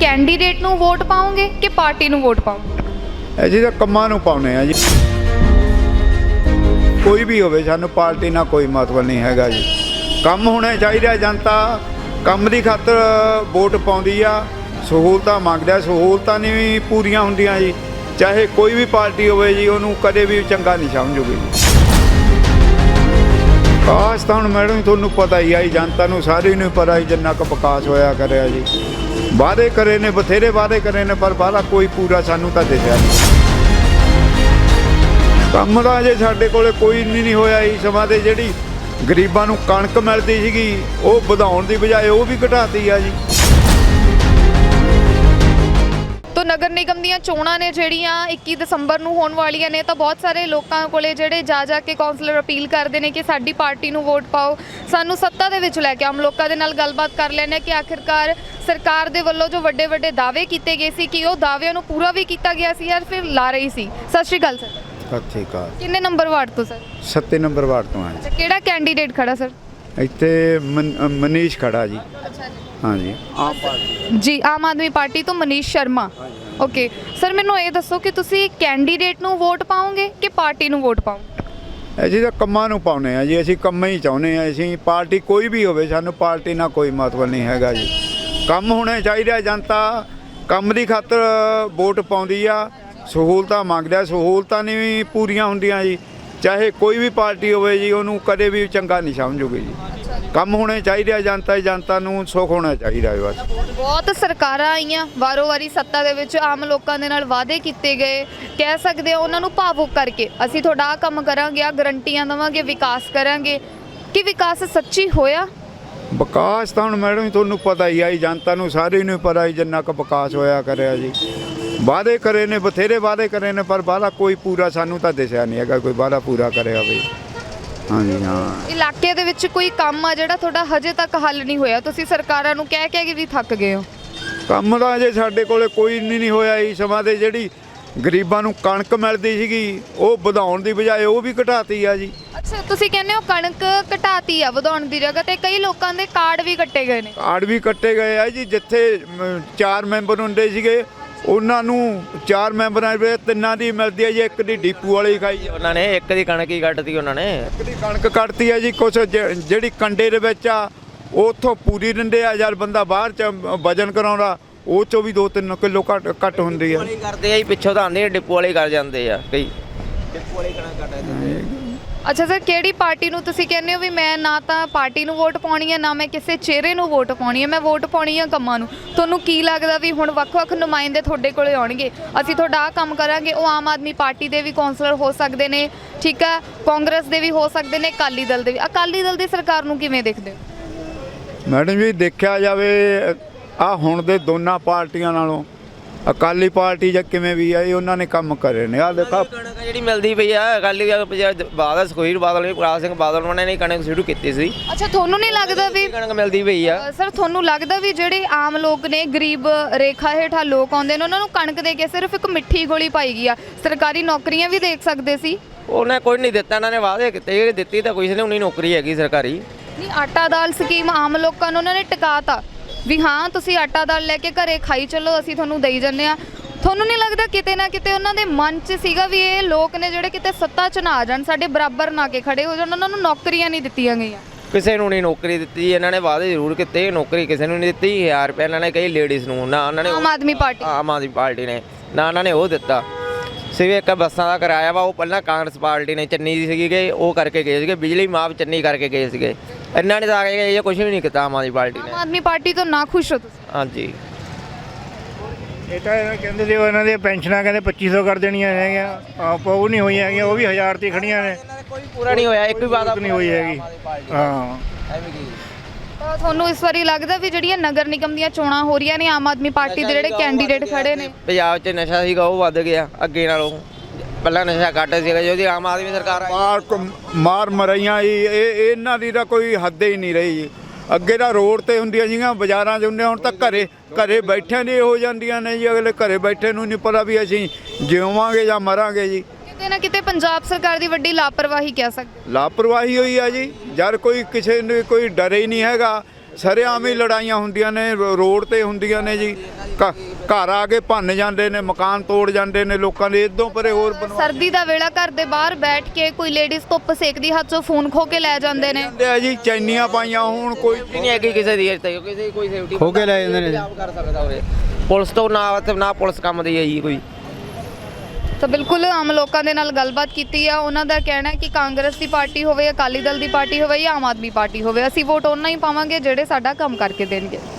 Candidate ਨੂੰ vote ਪਾਓਗੇ ਕਿ ਪਾਰਟੀ ਨੂੰ ਵੋਟ ਪਾਓਗੇ? ਅਸੀਂ ਤਾਂ ਕੰਮਾਂ ਨੂੰ ਪਾਉਣੇ ਆ ਜੀ। ਕੋਈ ਵੀ ਹੋਵੇ, ਸਾਨੂੰ ਪਾਰਟੀ ਨਾਲ ਕੋਈ ਮਤਲਬ ਨਹੀਂ ਹੈਗਾ ਜੀ। ਕੰਮ ਹੋਣੇ ਚਾਹੀਦੇ। ਜਨਤਾ ਕੰਮ ਦੀ ਖਾਤਰ ਵੋਟ ਪਾਉਂਦੀ ਆ, ਸਹੂਲਤਾਂ ਮੰਗਦਾ। ਸਹੂਲਤਾਂ ਨਹੀਂ ਵੀ ਪੂਰੀਆਂ ਹੁੰਦੀਆਂ ਜੀ, ਚਾਹੇ ਕੋਈ ਵੀ ਪਾਰਟੀ ਹੋਵੇ ਜੀ, ਉਹਨੂੰ ਕਦੇ ਵੀ ਚੰਗਾ ਨਹੀਂ ਸਮਝੂਗੀ ਜੀ। ਵਿਕਾਸ ਤਾਂ ਹੁਣ ਮੈਡਮ ਤੁਹਾਨੂੰ ਪਤਾ ਹੀ ਆ ਜੀ, ਜਨਤਾ ਨੂੰ ਸਾਰੀ ਨੂੰ ਪਤਾ ਹੀ ਜਿੰਨਾ ਕੁ ਵਿਕਾਸ ਹੋਇਆ ਕਰਿਆ ਜੀ। ਵਾਅਦੇ ਕਰੇ ਨੇ, ਬਥੇਰੇ ਵਾਅਦੇ ਕਰੇ ਨੇ, ਪਰ ਵਾਅਦਾ ਕੋਈ ਪੂਰਾ ਸਾਨੂੰ ਤਾਂ ਦਿਸਿਆ ਨਹੀਂ। ਕੰਮ ਦਾ ਜੇ ਸਾਡੇ ਕੋਲੇ ਕੋਈ ਨਹੀਂ ਹੋਇਆ ਜੀ। ਸਮਾਂ ਦੇ ਜਿਹੜੀ ਗਰੀਬਾਂ ਨੂੰ ਕਣਕ ਮਿਲਦੀ ਸੀਗੀ, ਉਹ ਵਧਾਉਣ ਦੀ ਬਜਾਏ ਉਹ ਵੀ ਘਟਾਤੀ ਆ ਜੀ। ਤੋ ਨਗਰ ਨਿਗਮ ਦੀਆਂ ਚੋਣਾਂ ਨੇ ਜਿਹੜੀਆਂ 21 ਦਸੰਬਰ ਨੂੰ ਹੋਣ ਵਾਲੀਆਂ ਨੇ, ਤਾਂ ਬਹੁਤ ਸਾਰੇ ਲੋਕਾਂ ਕੋਲੇ ਜਿਹੜੇ ਜਾ ਕੇ ਕੌਂਸਲਰ ਅਪੀਲ ਕਰਦੇ ਨੇ ਕਿ ਸਾਡੀ ਪਾਰਟੀ ਨੂੰ ਵੋਟ ਪਾਓ, ਸਾਨੂੰ ਸੱਤਾ ਦੇ ਵਿੱਚ ਲੈ ਕੇ। ਆਮ ਲੋਕਾਂ ਦੇ ਨਾਲ ਗੱਲਬਾਤ ਕਰ ਲੈਂਦੇ ਕਿ ਆਖਿਰਕਾਰ ਸਰਕਾਰ ਦੇ ਵੱਲੋਂ ਜੋ ਵੱਡੇ ਵੱਡੇ ਦਾਅਵੇ ਕੀਤੇ ਗਏ ਸੀ, ਕਿ ਉਹ ਦਾਅਵਿਆਂ ਨੂੰ ਪੂਰਾ ਵੀ ਕੀਤਾ ਗਿਆ ਸੀ ਜਾਂ ਫਿਰ ਲਾ ਰਹੀ ਸੀ। ਸਤਿ ਸ਼੍ਰੀ ਅਕਾਲ ਸਰ। ਸਤਿ ਸ਼੍ਰੀ ਅਕਾਲ। ਕਿੰਨੇ ਨੰਬਰ ਵਾਰਡ ਤੋਂ ਸਰ? 7 ਨੰਬਰ ਵਾਰਡ ਤੋਂ ਆ ਅੱਛਾ, ਕਿਹੜਾ ਕੈਂਡੀਡੇਟ ਖੜਾ ਸਰ? ਜੀ। ਇੱਥੇ ਮਨੀਸ਼ ਖੜਾ ਜੀ। ਅੱਛਾ ਹਾਂਜੀ, ਆਮ ਪਾਰਟੀ ਜੀ, ਆਮ ਆਦਮੀ ਪਾਰਟੀ ਤੋਂ ਮਨੀਸ਼ ਸ਼ਰਮਾ। ਓਕੇ ਸਰ, ਮੈਨੂੰ ਇਹ ਦੱਸੋ ਕਿ ਤੁਸੀਂ ਕੈਂਡੀਡੇਟ ਨੂੰ ਵੋਟ ਪਾਓਗੇ ਕਿ ਪਾਰਟੀ ਨੂੰ ਵੋਟ ਪਾਓਗੇ? ਅਸੀਂ ਤਾਂ ਕੰਮਾਂ ਨੂੰ ਪਾਉਣੇ ਆ ਜੀ। ਅਸੀਂ ਕੰਮ ਹੀ ਚਾਹੁੰਦੇ ਆ। ਅਸੀਂ ਪਾਰਟੀ ਕੋਈ ਵੀ ਹੋਵੇ, ਸਾਨੂੰ ਪਾਰਟੀ ਨਾਲ ਕੋਈ ਮਤਲਬ ਨਹੀਂ ਹੈਗਾ ਜੀ। ਕੰਮ ਹੋਣੇ ਚਾਹੀਦੇ। ਜਨਤਾ ਕੰਮ ਦੀ ਖਾਤਰ ਵੋਟ ਪਾਉਂਦੀ ਆ, ਸਹੂਲਤਾਂ ਮੰਗਦਾ। ਸਹੂਲਤਾਂ ਨਹੀਂ ਵੀ ਪੂਰੀਆਂ ਹੁੰਦੀਆਂ ਜੀ, ਚਾਹੇ ਕੋਈ ਵੀ ਪਾਰਟੀ ਹੋਵੇ ਜੀ, ਉਹਨੂੰ ਕਦੇ ਵੀ ਚੰਗਾ ਨਹੀਂ ਸਮਝੂਗੀ ਜੀ। ਕੰਮ ਹੋਣੇ ਚਾਹੀਦੇ। ਜਨਤਾ ਨੂੰ ਸੁੱਖ ਹੋਣਾ ਚਾਹੀਦਾ ਬਸ। ਬਹੁਤ ਸਰਕਾਰਾਂ ਆਈਆਂ ਵਾਰੋ ਵਾਰੀ ਸੱਤਾ ਦੇ ਵਿੱਚ, ਆਮ ਲੋਕਾਂ ਦੇ ਨਾਲ ਵਾਅਦੇ ਕੀਤੇ ਗਏ, ਕਹਿ ਸਕਦੇ ਆ ਉਹਨਾਂ ਨੂੰ ਭਾਵੁਕ ਕਰਕੇ, ਅਸੀਂ ਤੁਹਾਡਾ ਆਹ ਕੰਮ ਕਰਾਂਗੇ, ਆ ਗਰੰਟੀਆਂ ਦੇਵਾਂਗੇ, ਵਿਕਾਸ ਕਰਾਂਗੇ। ਕਿ ਵਿਕਾਸ ਸੱਚੀ ਹੋਇਆ? ਵਿਕਾਸ ਤਾਂ ਹੁਣ ਮੈਡਮ ਤੁਹਾਨੂੰ ਪਤਾ ਹੀ ਆ ਜੀ, ਜਨਤਾ ਨੂੰ ਸਾਰੀ ਨੂੰ ਪਤਾ ਹੀ ਜਿੰਨਾ ਕੁ ਵਿਕਾਸ ਹੋਇਆ ਕਰਿਆ ਜੀ। ਵਾਅਦੇ ਕਰੇ ਨੇ, ਬਥੇਰੇ ਵਾਅਦੇ ਕਰੇ ਨੇ, ਪਰ ਵਾਅਦਾ ਕੋਈ ਪੂਰਾ ਸਾਨੂੰ ਤਾਂ ਦਿਸਿਆ ਨਹੀਂ ਹੈਗਾ, ਕੋਈ ਵਾਅਦਾ ਪੂਰਾ ਕਰਿਆ ਹੋਵੇ। ਹਾਂਜੀ ਹਾਂ। ਇਲਾਕੇ ਦੇ ਵਿੱਚ ਕੋਈ ਕੰਮ ਆ ਜਿਹੜਾ ਤੁਹਾਡਾ ਹਜੇ ਤੱਕ ਹੱਲ ਨਹੀਂ ਹੋਇਆ? ਤੁਸੀਂ ਸਰਕਾਰਾਂ ਨੂੰ ਕਹਿ ਕੇ ਵੀ ਥੱਕ ਗਏ ਹੋ। ਕੰਮ ਦਾ ਜੇ ਸਾਡੇ ਕੋਲੇ ਕੋਈ ਨਹੀਂ ਹੋਇਆ ਜੀ। ਸਮਾਂ ਦੇ ਜਿਹੜੀ ਗਰੀਬਾਂ ਨੂੰ ਕਣਕ ਮਿਲਦੀ ਸੀਗੀ, ਉਹ ਵਧਾਉਣ ਦੀ ਬਜਾਏ ਉਹ ਵੀ ਘਟਾਤੀ ਆ ਜੀ। ਅੱਛਾ, ਤੁਸੀਂ ਕਹਿੰਦੇ ਹੋ ਕਣਕ ਘਟਾਤੀ ਆ ਵਧਾਉਣ ਦੀ ਜਗ੍ਹਾ ਤੇ, ਕਈ ਲੋਕਾਂ ਦੇ ਕਾਰਡ ਵੀ ਕੱਟੇ ਗਏ ਨੇ। ਕਾਰਡ ਵੀ ਕੱਟੇ ਗਏ ਆ ਜੀ। ਜਿੱਥੇ 4 ਮੈਂਬਰ ਹੁੰਦੇ ਸੀਗੇ, ਉਹਨਾਂ ਨੂੰ 4 ਮੈਂਬਰਾਂ ਦੇ 3 ਦੀ ਮਿਲਦੀ ਹੈ ਜੀ। ਇੱਕ ਦੀ ਡੀਪੂ ਵਾਲੀ ਖਾਈ ਉਹਨਾਂ ਨੇ, ਇੱਕ ਦੀ ਕਣਕ ਹੀ ਕੱਟਤੀ ਉਹਨਾਂ ਨੇ। ਇੱਕ ਦੀ ਕਣਕ ਕੱਟਤੀ ਹੈ ਜੀ। ਕੁਛ ਜਿਹੜੀ ਕੰਡੇ ਦੇ ਵਿੱਚ ਆ, ਉਹ ਉੱਥੋਂ ਪੂਰੀ ਦਿੰਦੇ ਆ। ਯਾਰ ਬੰਦਾ ਬਾਹਰ ਚ ਵਜਨ ਕਰਾਉਂਦਾ, ਉਹ ਚੋਂ ਵੀ 2-3 ਕਿਲੋ ਘੱਟ ਹੁੰਦੀ ਆ। ਕਰਦੇ ਆ ਜੀ, ਪਿੱਛੋਂ ਤਾਂ ਆਉਂਦੇ ਡਿਪੂ ਵਾਲੇ ਕਰ ਜਾਂਦੇ ਆ ਕਈ। ਡਿਪੂ ਵਾਲੀ ਕਣਕ ਕੱਟ ਦਿੰਦੇ। ਅੱਛਾ ਸਰ, ਕਿਹੜੀ ਪਾਰਟੀ ਨੂੰ ਤੁਸੀਂ ਕਹਿੰਦੇ ਹੋ ਵੀ ਮੈਂ ਨਾ ਤਾਂ ਪਾਰਟੀ ਨੂੰ ਵੋਟ ਪਾਉਣੀ ਹੈ, ਨਾ ਮੈਂ ਕਿਸੇ ਚਿਹਰੇ ਨੂੰ ਵੋਟ ਪਾਉਣੀ ਹੈ, ਮੈਂ ਵੋਟ ਪਾਉਣੀ ਹੈ ਕੰਮਾਂ ਨੂੰ? ਤੁਹਾਨੂੰ ਕੀ ਲੱਗਦਾ ਵੀ ਹੁਣ ਵੱਖ-ਵੱਖ ਨੁਮਾਇੰਦੇ ਤੁਹਾਡੇ ਕੋਲੇ ਆਉਣਗੇ, ਅਸੀਂ ਤੁਹਾਡਾ ਆਹ ਕੰਮ ਕਰਾਂਗੇ, ਉਹ ਆਮ ਆਦਮੀ ਪਾਰਟੀ ਦੇ ਵੀ ਕੌਂਸਲਰ ਹੋ ਸਕਦੇ ਨੇ, ਠੀਕ ਹੈ, ਕਾਂਗਰਸ ਦੇ ਵੀ ਹੋ ਸਕਦੇ ਨੇ, ਅਕਾਲੀ ਦਲ ਦੇ ਵੀ। ਅਕਾਲੀ ਦਲ ਦੀ ਸਰਕਾਰ ਨੂੰ ਕਿਵੇਂ ਦੇਖਦੇ ਹੋ? ਮੈਡਮ ਜੀ, ਦੇਖਿਆ ਜਾਵੇ ਆ ਹੁਣ ਦੇ ਦੋਨਾਂ ਪਾਰਟੀਆਂ ਨਾਲੋਂ ਅਕਾਲੀ ਪਾਰਟੀ ਜਾਂ ਕਿਵੇਂ ਵੀ ਆ, ਇਹ ਉਹਨਾਂ ਨੇ ਕੰਮ ਕਰੇ ਨੇ। ਆ ਦੇਖਾ ਕਣਕ ਜਿਹੜੀ ਮਿਲਦੀ ਪਈ ਆ, ਅਕਾਲੀ ਬਾਦਲ, ਸੁਖਬੀਰ ਬਾਦਲ ਨੇ, ਪ੍ਰਕਾਸ਼ ਸਿੰਘ ਬਾਦਲ ਉਹਨਾਂ ਨੇ ਕਣਕ ਸ਼ੁਰੂ ਕੀਤੀ ਸੀ। ਅੱਛਾ, ਤੁਹਾਨੂੰ ਨਹੀਂ ਲੱਗਦਾ ਵੀ ਕਣਕ ਮਿਲਦੀ ਪਈ ਆ? ਸਰ, ਤੁਹਾਨੂੰ ਲੱਗਦਾ ਵੀ ਜਿਹੜੇ ਆਮ ਲੋਕ ਨੇ, ਗਰੀਬ ਰੇਖਾ ਹੇਠਾਂ ਲੋਕ ਆਉਂਦੇ ਨੇ, ਉਹਨਾਂ ਨੂੰ ਕਣਕ ਦੇ ਕੇ ਸਿਰਫ ਇੱਕ ਮਿੱਠੀ ਗੋਲੀ ਪਾਈ ਗਈ ਆ? ਸਰਕਾਰੀ ਨੌਕਰੀਆਂ ਵੀ ਦੇਖ ਸਕਦੇ ਸੀ। ਉਹਨੇ ਕੋਈ ਨਹੀਂ ਦਿੱਤਾ, ਇਹਨਾਂ ਨੇ ਵਾਅਦੇ ਕੀਤੇ, ਦਿੱਤੀ ਤਾਂ ਕੋਈ ਨਹੀਂ। ਉਨੀ ਨੌਕਰੀ ਹੈਗੀ ਸਰਕਾਰੀ। ਨਹੀਂ, ਆਟਾ ਦਾਲ ਸਕੀਮ ਆਮ ਲੋਕਾਂ ਨੂੰ ਉਹਨਾਂ ਨੇ ਟਿਕਾਤਾ ਵੀ ਹਾਂ ਤੁਸੀਂ ਆਟਾ ਦਾਲ ਲੈ ਕੇ ਘਰੇ ਖਾਈ ਚੱਲੋ, ਅਸੀਂ ਤੁਹਾਨੂੰ ਦੇਈ ਜਾਂਦੇ ਆ। ਤੁਹਾਨੂੰ ਨਹੀਂ ਲੱਗਦਾ ਕਿਤੇ ਨਾ ਕਿਤੇ ਉਹਨਾਂ ਦੇ ਮਨ 'ਚ ਸੀਗਾ ਵੀ ਇਹ ਲੋਕ ਨੇ ਜਿਹੜੇ ਕਿਤੇ ਸੱਤਾ 'ਚ ਨਾ ਆ ਜਾਣ, ਸਾਡੇ ਬਰਾਬਰ ਨਾ ਕੇ ਖੜੇ ਹੋ ਜਾਣ, ਉਹਨਾਂ ਨੂੰ ਨੌਕਰੀਆਂ ਨਹੀਂ ਦਿੱਤੀਆਂ ਗਈਆਂ? ਕਿਸੇ ਨੂੰ ਨਹੀਂ ਨੌਕਰੀ ਦਿੱਤੀ। ਇਹਨਾਂ ਨੇ ਵਾਅਦੇ ਜ਼ਰੂਰ ਕੀਤੇ, ਨੌਕਰੀ ਕਿਸੇ ਨੂੰ ਨਹੀਂ ਦਿੱਤੀ। 1000 ਰੁਪਏ ਇਹਨਾਂ ਨੇ ਕਈ ਲੇਡੀਜ਼ ਨੂੰ, ਨਾ ਉਹਨਾਂ ਨੇ ਆਮ ਆਦਮੀ ਪਾਰਟੀ ਨੇ ਨਾ ਉਹਨਾਂ ਨੇ ਉਹ ਦਿੱਤਾ। ਸਿਵੇ ਇੱਕ ਬੱਸਾਂ ਦਾ ਕਿਰਾਇਆ ਵਾ, ਉਹ ਪਹਿਲਾਂ ਕਾਂਗਰਸ ਪਾਰਟੀ ਨੇ ਚੰਨੀ ਦੀ ਸੀਗੀ ਗਏ, ਉਹ ਕਰਕੇ ਗਏ ਸੀਗੇ। ਬਿਜਲੀ ਮਾਫ ਚੰਨੀ ਕਰਕੇ ਗਏ ਸੀਗੇ। ਇਹਨਾਂ ਨੇ ਤਾਂ ਆ ਕੇ ਇਹ ਕੁਝ ਵੀ ਨਹੀਂ ਕੀਤਾ ਆਮ ਆਦਮੀ ਪਾਰਟੀ ਨੇ। ਆਮ ਆਦਮੀ ਪਾਰਟੀ ਤੋਂ ਨਾ ਖੁਸ਼ ਹੋ ਤੁਸੀਂ? ਹਾਂਜੀ, ਇਹ ਤਾਂ ਕਹਿੰਦੇ ਸੀ ਉਹਨਾਂ ਦੀਆਂ ਪੈਨਸ਼ਨਾਂ ਕਹਿੰਦੇ 2500 ਕਰ ਦੇਣੀਆਂ ਹੈਗੀਆਂ, ਆਪ ਉਹ ਨਹੀਂ ਹੋਈਆਂ ਹੈਗੀਆਂ, ਉਹ ਵੀ 1000 ਤੇ ਖੜੀਆਂ ਨੇ। ਕੋਈ ਪੂਰਾ ਨਹੀਂ ਹੋਇਆ, ਇੱਕ ਵੀ ਵਾਅਦਾ ਨਹੀਂ ਹੋਈ ਹੈਗੀ। ਹਾਂ, ਤਾਂ ਤੁਹਾਨੂੰ ਇਸ ਵਾਰੀ ਲੱਗਦਾ ਵੀ ਜਿਹੜੀਆਂ ਨਗਰ ਨਿਗਮ ਦੀਆਂ ਚੋਣਾਂ ਹੋ ਰਹੀਆਂ ਨੇ, ਆਮ ਆਦਮੀ ਪਾਰਟੀ ਦੇ ਜਿਹੜੇ ਕੈਂਡੀਡੇਟ ਖੜੇ ਨੇ? ਪੰਜਾਬ 'ਚ ਨਸ਼ਾ ਸੀਗਾ ਉਹ ਵੱਧ ਗਿਆ ਅੱਗੇ ਨਾਲੋਂ। ਪਹਿਲਾਂ ਨਸ਼ਾ ਘੱਟ ਸੀਗਾ, ਜਿਹਦੀ ਆਮ ਆਦਮੀ ਸਰਕਾਰ ਆਈ। ਮਾਰ ਮਰਾਈਆਂ ਜੀ, ਇਹਨਾਂ ਦੀ ਤਾਂ ਕੋਈ ਹੱਦ ਹੀ ਨਹੀਂ ਰਹੀ ਜੀ। ਅੱਗੇ ਤਾਂ ਰੋਡ ਤੇ ਹੁੰਦੀਆਂ ਸੀਗੀਆਂ, ਬਾਜ਼ਾਰਾਂ 'ਚ ਹੁੰਦੀਆਂ, ਹੁਣ ਤਾਂ ਘਰੇ ਬੈਠਿਆਂ ਦੀ ਹੋ ਜਾਂਦੀਆਂ ਨੇ ਜੀ। ਅਗਲੇ ਘਰੇ ਬੈਠੇ ਨੂੰ ਨਹੀਂ ਪਤਾ ਵੀ ਅਸੀਂ ਜਿਵਾਂਗੇ ਜਾਂ ਮਰਾਂਗੇ ਜੀ। ਕਿਤੇ ਨਾ ਕਿਤੇ ਪੰਜਾਬ ਸਰਕਾਰ ਦੀ ਵੱਡੀ ਲਾਪਰਵਾਹੀ ਕਹਿ ਸਕਦੇ। ਲਾਪਰਵਾਹੀ ਹੋਈ ਆ ਜੀ। ਯਾਰ ਕੋਈ ਕਿਸੇ ਨੂੰ ਕੋਈ ਡਰ ਹੀ ਨਹੀਂ ਹੈਗਾ ਸਰੇਆਮ ਹੀ ਲੜਾਈਆਂ ਹੁੰਦੀਆਂ ਨੇ, ਰੋਡ ਤੇ ਹੁੰਦੀਆਂ ਨੇ ਜੀ। ਘਰ ਆ ਕੇ ਭੰਨ ਜਾਂਦੇ ਨੇ, ਮਕਾਨ ਤੋੜ ਜਾਂਦੇ ਨੇ ਲੋਕਾਂ ਦੇ। ਇਦੋਂ ਪਰੇ ਹੋਰ ਸਰਦੀ ਦਾ ਵੇਲਾ ਘਰ ਦੇ ਬਾਹਰ ਬੈਠ ਕੇ ਕੋਈ ਲੇਡੀਜ਼ ਧੁੱਪ ਸੇਕਦੀ, ਹੱਥ 'ਚੋਂ ਫੋਨ ਖੋ ਕੇ ਲੈ ਜਾਂਦੇ ਨੇ। ਜਾਂਦੇ ਆ ਜੀ, ਚੈਨੀਆਂ ਪਾਈਆਂ ਹੋਣ, ਕੋਈ ਨਹੀਂ ਹੈਗੀ ਕਿਸੇ ਦੀ ਅਜੇ ਤੱਕ, ਕਿਸੇ ਦੀ ਕੋਈ ਸੇਫਟੀ ਖੋ ਕੇ ਲੈ ਜਾਂਦੇ ਨੇ। ਕਰ ਸਕਦਾ ਹੋਵੇ ਪੁਲਿਸ ਤੋਂ ਨਾ ਪੁਲਿਸ ਕੰਮ ਦੀ ਹੈ ਜੀ ਕੋਈ। ਤਾਂ ਬਿਲਕੁਲ ਆਮ ਲੋਕਾਂ ਦੇ ਨਾਲ ਗੱਲਬਾਤ ਕੀਤੀ ਆ। ਉਹਨਾਂ ਦਾ ਕਹਿਣਾ ਹੈ ਕਿ ਕਾਂਗਰਸ ਦੀ ਪਾਰਟੀ ਹੋਵੇ, ਅਕਾਲੀ ਦਲ ਦੀ ਪਾਰਟੀ ਹੋਵੇ ਜਾਂ ਆਮ ਆਦਮੀ ਪਾਰਟੀ ਹੋਵੇ, ਅਸੀਂ ਵੋਟ ਉਹਨਾਂ ਹੀ ਪਾਵਾਂਗੇ ਜਿਹੜੇ ਸਾਡਾ ਕੰਮ ਕਰਕੇ ਦੇਣਗੇ।